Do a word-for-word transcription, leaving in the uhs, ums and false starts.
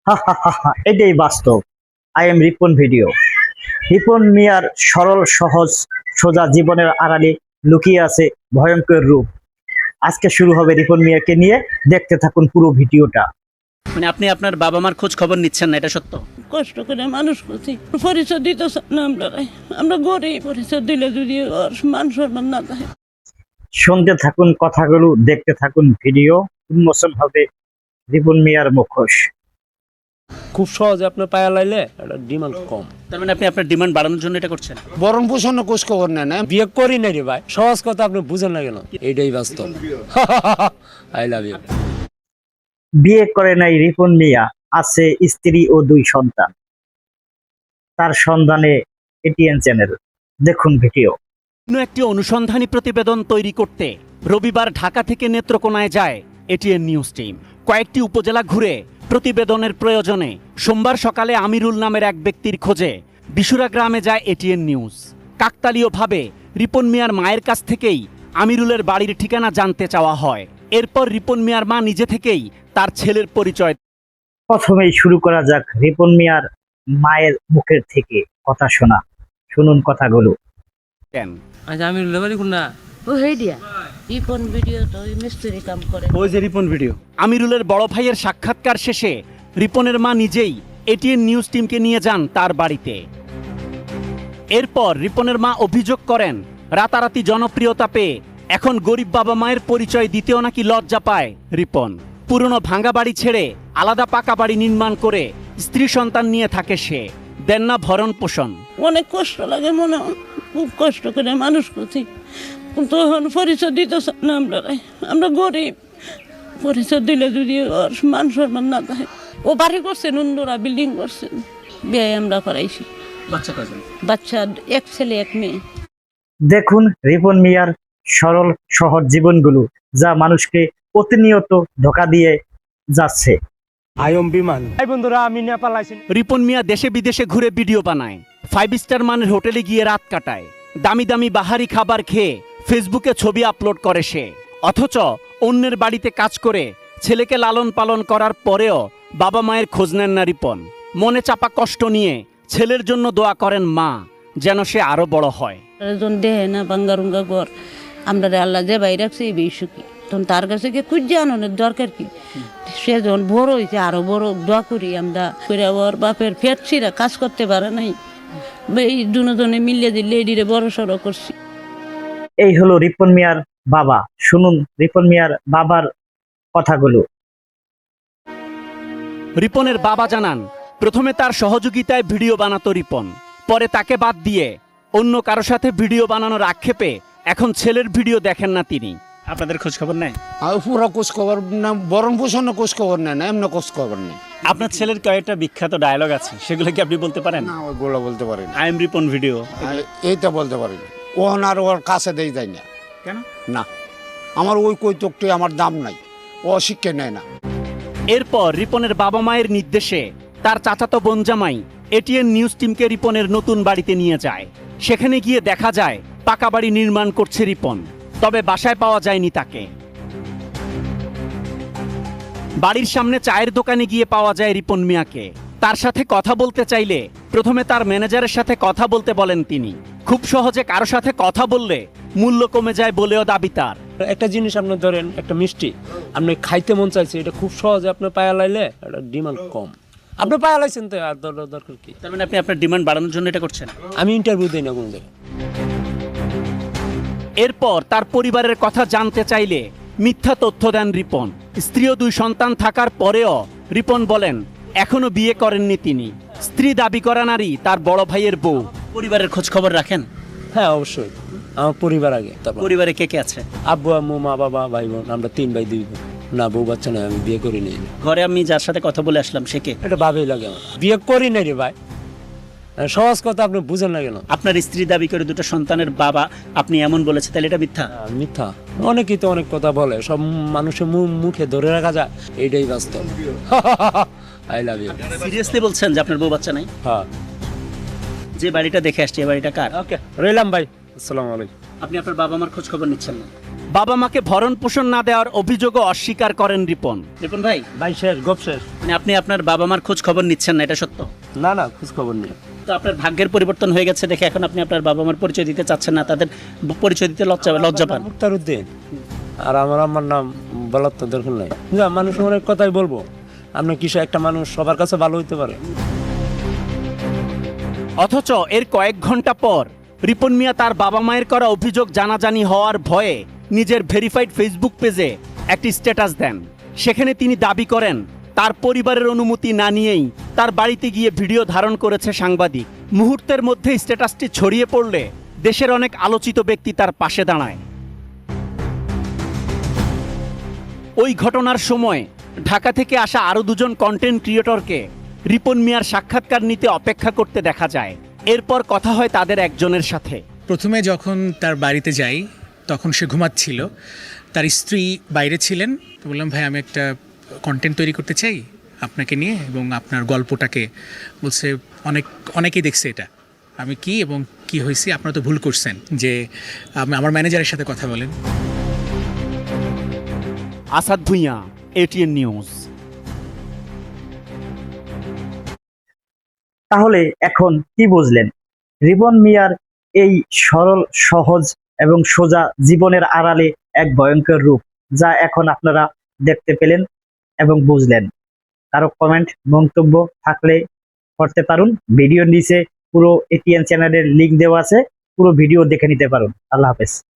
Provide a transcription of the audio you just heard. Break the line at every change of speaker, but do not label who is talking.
হা হা হা হা, এটাই বাস্তব। I am Ripon video. Ripon মিয়ার সরল সহজ সোজা জীবনের আড়ালে লুকিয়ে আছে ভয়ঙ্কর রূপ। আজকে শুরু হবে রিপন মিয়াকে নিয়ে, দেখতে থাকুন পুরো ভিডিওটা।
মানে আপনি আপনার বাবা মার খোঁজ খবর নিচ্ছেন না, এটা সত্য?
কষ্ট করে মানুষ করছি, পরিচয় দিতে চান না আমরা। আমরা গরিব, পরিচয় দিলে যদি ওর মান সম্মান না থাকে।
শুনতে থাকুন কথাগুলো, দেখতে থাকুন ভিডিও। উন্মোচন হবে রিপন মিয়ার মুখোশ।
খুব সহজে আপনার পায়া লাইলে এটা ডিমান্ড কম।
তার মানে আপনি আপনার ডিমান্ড বাড়ানোর জন্য এটা করছেন?
বরণ পোষণ কোষ খবর নেন না, বিয়ে করি না রে ভাই। সহজ কথা আপনি বুঝেন না কেন? এইটাই বাস্তব। I love you.
বিয়ে করে নাই রিপন মিয়া, আছে স্ত্রী ও দুই সন্তান। তার সন্ধানে এটিএন চ্যানেল। দেখুন ভিডিও।
অন্য একটি অনুসন্ধানী প্রতিবেদন তৈরি করতে রবিবার ঢাকা থেকে নেত্রকোনায় যায় এটিএন নিউজ টিম। কয়েকটি উপজেলা ঘুরে প্রতিবেদনের প্রয়োজনে সোমবার সকালে আমিরুল নামের এক ব্যক্তির খোঁজে বিশুরা গ্রামে যায় এটিএন নিউজ। কাকতালীয়ভাবে রিপন মিয়ার মায়ের কাছ থেকেই আমিরুলের বাড়ির ঠিকানা জানতে চাওয়া হয়। এরপর রিপন মিয়ার মা নিজে থেকেই তার ছেলের পরিচয়।
প্রথমেই শুরু করা যাক রিপন মিয়ার মায়ের মুখের থেকে কথা শোনা। শুনুন কথাগুলো।
দেন।
আচ্ছা আমি লেবারি কোন না
ও হেই দিয়া রিপন ভিডিও তো ওই মিস্ত্রি কাম করে।
ওই যে রিপন ভিডিও। আমিরুলের বড় ভাইয়ের সাক্ষাৎকার শেষে রিপনের মা নিজেই এটিএন নিউজ টিমকে নিয়ে যান তার বাড়িতে। এরপর রিপনের মা অভিযোগ করেন, রাতারাতি জনপ্রিয়তা পেয়ে এখন গরিব বাবা মায়ের পরিচয় দিতেও নাকি লজ্জা পায় রিপন। পুরনো ভাঙা বাড়ি ছেড়ে আলাদা পাকা বাড়ি নির্মাণ করে স্ত্রী সন্তান নিয়ে থাকে সে। দেন না ভরণ পোষণ।
অনেক কষ্ট লাগে মনে হয়, খুব কষ্ট করে মানুষ করছি, কিন্তু এখন পরিচয় দিতে চান না আমরা। আমরা গরিব, পরিচয় দিলে যদি ওর মান সম্মান না থাকে। ও বাড়ি করছেন, অন্যরা বিল্ডিং করছেন, বিয়ে আমরা করাইছি।
বাচ্চা কয়জন?
বাচ্চা এক ছেলে এক মেয়ে।
দেখুন রিপন মিয়ার সরল সহজ জীবনগুলো, যা মানুষকে প্রতিনিয়ত ধোঁকা দিয়ে যাচ্ছে।
আয়ম বিমান। এই বন্ধুরা আমি নেপাল আইছি।
রিপন মিয়া দেশে বিদেশে ঘুরে ভিডিও বানায়, ফাইভ স্টার মানের হোটেলে গিয়ে রাত কাটায়, দামি দামি বাহারি খাবার খেয়ে ফেসবুকে ছবি আপলোড করে সে। অথচ অন্যের বাড়িতে কাজ করে ছেলেকে লালন পালন করার পরেও বাবা মায়ের খোঁজ নেন না রিপন। মনে চাপা কষ্ট নিয়ে ছেলের জন্য দোয়া করেন মা, যেন সে আরো বড় হয়।
একজন দেহে না বাঙ্গারুঙ্গা ঘর, আমরা আল্লাহ যে বাইরে রাখছে এই বেশি সুখী। তখন তার কাছে গিয়ে খুঁজে আনানোর দরকার কি? সে যখন বড় হয়েছে আরো বড় দোয়া করি আমরা করে। ওর বাপের ফেটছিরা কাজ করতে পারে নাই, এই দুজনে মিলিয়ে দিয়ে লেডিরে বড় সড়ো করছি।
এই হলো রিপন মিয়ার বাবা। শুনুন রিপন মিয়ার বাবার কথাগুলো।
রিপনের বাবা জানান, প্রথমে তার সহযোগিতায় ভিডিও বানাতো রিপন, পরে তাকে বাদ দিয়ে অন্য কারো সাথে ভিডিও বানানোর আক্ষেপে এখন ছেলের ভিডিও দেখেন না তিনি। আপনাদের খোঁজ খবর নেয়?
আর পুরো কোষ খবর না, বরণ পোষণ কোষ খবর নেন না, এমনি কোষ খবর নেই।
আপনার ছেলের কয়েকটা বিখ্যাত ডায়লগ আছে, সেগুলো কি আপনি বলতে পারেন?
না ওইগুলো বলতে পারি না।
I am Ripon video.
এইটা বলতে পারি না। ওহন আর ওর কাছে দেই যায় না।
কেন?
না, আমার ওই কৈতকটি আমার দাম নাই, ও শিক্ষা নেয় না।
এরপর রিপনের বাবা মায়ের নির্দেশে তার চাচাতো বোন জামাই এটিএন নিউজ টিমকে রিপনের নতুন বাড়িতে নিয়ে যায়। সেখানে গিয়ে দেখা যায় পাকা বাড়ি নির্মাণ করছে রিপন, তবে বাসায় পাওয়া যায়নি তাকে। বাড়ির সামনে চায়ের দোকানে গিয়ে পাওয়া যায় রিপন মিয়াকে। তার সাথে কথা বলতে চাইলে প্রথমে তার ম্যানেজারের সাথে কথা বলতে বলেন তিনি। খুব সহজে কারো সাথে কথা বললে মূল্য কমে যায় বলেও দাবি তার।
একটা জিনিস আপনি ধরেন, একটা মিষ্টি আপনি খাইতে মন চাইছে, এটা খুব সহজে আপনার পায়া লাইলে এটা ডিমান্ড কম। আপনি পায়া লাইছেন তো আর দর- দরকার কি?
তার মানে আপনি আপনার ডিমান্ড বাড়ানোর জন্য এটা করছেন?
আমি ইন্টারভিউ দিই না কোন জায়গায়।
এরপর তার পরিবারের কথা জানতে চাইলে মিথ্যা তথ্য দেন রিপন। স্ত্রী ও দুই সন্তান থাকার পরেও রিপন বলেন এখনো বিয়ে করেননি তিনি। স্ত্রী দাবি করা নারী তার বড় ভাইয়ের বউ। পরিবারের খোঁজ খবর রাখেন?
হ্যাঁ অবশ্যই, আমার পরিবার আগে, তারপর
পরিবারে কে কে আছে?
আব্বু আম্মু মা বাবা ভাই বোন, আমরা তিন ভাই দুই বোন। না বউ বাচ্চা নয়, আমি বিয়ে করি নাই।
ঘরে আমি যার সাথে কথা বলে আসলাম সে কে?
এটা ভাবেই লাগে আমার, বিয়ে করি নাই রে ভাই। সহজ কথা আপনি বুঝেন না কেন?
আপনার স্ত্রী দাবি করে দুটো সন্তানের বাবা আপনি এমন বলেছে, তাহলে এটা মিথ্যা?
আহ, মিথ্যা। অনেকেই তো অনেক কথা বলে, সব মানুষের মু- মুখে ধরে রাখা যায়, এইটাই বাস্তব। I love you.
সিরিয়াসলি বলছেন যে আপনার বউ বাচ্চা নাই?
হ্যাঁ
যে বাড়িটা দেখে আসছে এই বাড়িটা কার?
ওকে, রইলাম ভাই, আসসালামু আলাইকুম।
আপনি আপনার বাবা মার খোঁজ খবর নিচ্ছেন না? বাবা মাকে ভরণ পোষণ না দেওয়ার অভিযোগও অস্বীকার করেন রিপন। রিপন ভাই,
ভাই শেষ গপ শেষ।
মানে আপনি আপনার বাবা মার খোঁজ খবর নিচ্ছেন না, এটা সত্য?
না না, খোঁজ খবর নেই।
তো আপনার ভাগ্যের পরিবর্তন হয়ে গেছে দেখে এখন আপনি আপনার বাবা মার পরিচয় দিতে চাচ্ছেন না, তাদের পরিচয় দিতে লজ্জা লজ্জা পান।
মুক্তার উদ্দিন, আর আমার আমার নাম বলার তো দরকার নাই। না, মানুষ অনেক কথাই বলবো, আপনার কিছু একটা মানুষ সবার কাছে ভালো হইতে পারে।
অথচ এর কয়েক ঘন্টা পর রিপন মিয়া তার বাবা মায়ের করা অভিযোগ জানাজানি হওয়ার ভয়ে নিজের ভেরিফাইড ফেসবুক পেজে একটি স্ট্যাটাস দেন। সেখানে তিনি দাবি করেন তার পরিবারের অনুমতি না নিয়েই তার বাড়িতে গিয়ে ভিডিও ধারণ করেছে সাংবাদিক। মুহূর্তের মধ্যে স্ট্যাটাসটি ছড়িয়ে পড়লে দেশের অনেক আলোচিত ব্যক্তি তার পাশে দাঁড়ায়। ওই ঘটনার সময় ঢাকা থেকে আসা আরও দুজন কন্টেন্ট ক্রিয়েটরকে রিপন মিয়ার সাক্ষাৎকার নিতে অপেক্ষা করতে দেখা যায়। এরপর কথা হয় তাদের একজনের সাথে।
প্রথমে যখন তার বাড়িতে যাই তখন সে ঘুমাচ্ছিল, তার স্ত্রী বাইরে ছিলেন। তো বললাম, ভাই আমি একটা কন্টেন্ট তৈরি করতে চাই আপনাকে নিয়ে এবং আপনার গল্পটাকে। বলছে অনেক অনেকেই দেখছে এটা। আমি কি এবং কি হয়েছি, আপনারা তো ভুল করছেন, যে আম- আমার ম্যানেজারের সাথে কথা বলেন।
Asad Bhuiyan, ATN news.
তাহলে এখন কি বুঝলেন? রিপন মিয়ার এই সরল সহজ এবং সোজা জীবনের আড়ালে এক ভয়ঙ্কর রূপ, যা এখন আপনারা দেখতে পেলেন এবং বুঝলেন। কারো কমেন্ট মন্তব্য থাকলে করতে পারুন। ভিডিওর নিচে পুরো এটিএন চ্যানেলের লিংক দেওয়া আছে, পুরো ভিডিও দেখে নিতে পারুন। আল্লাহ হাফেজ।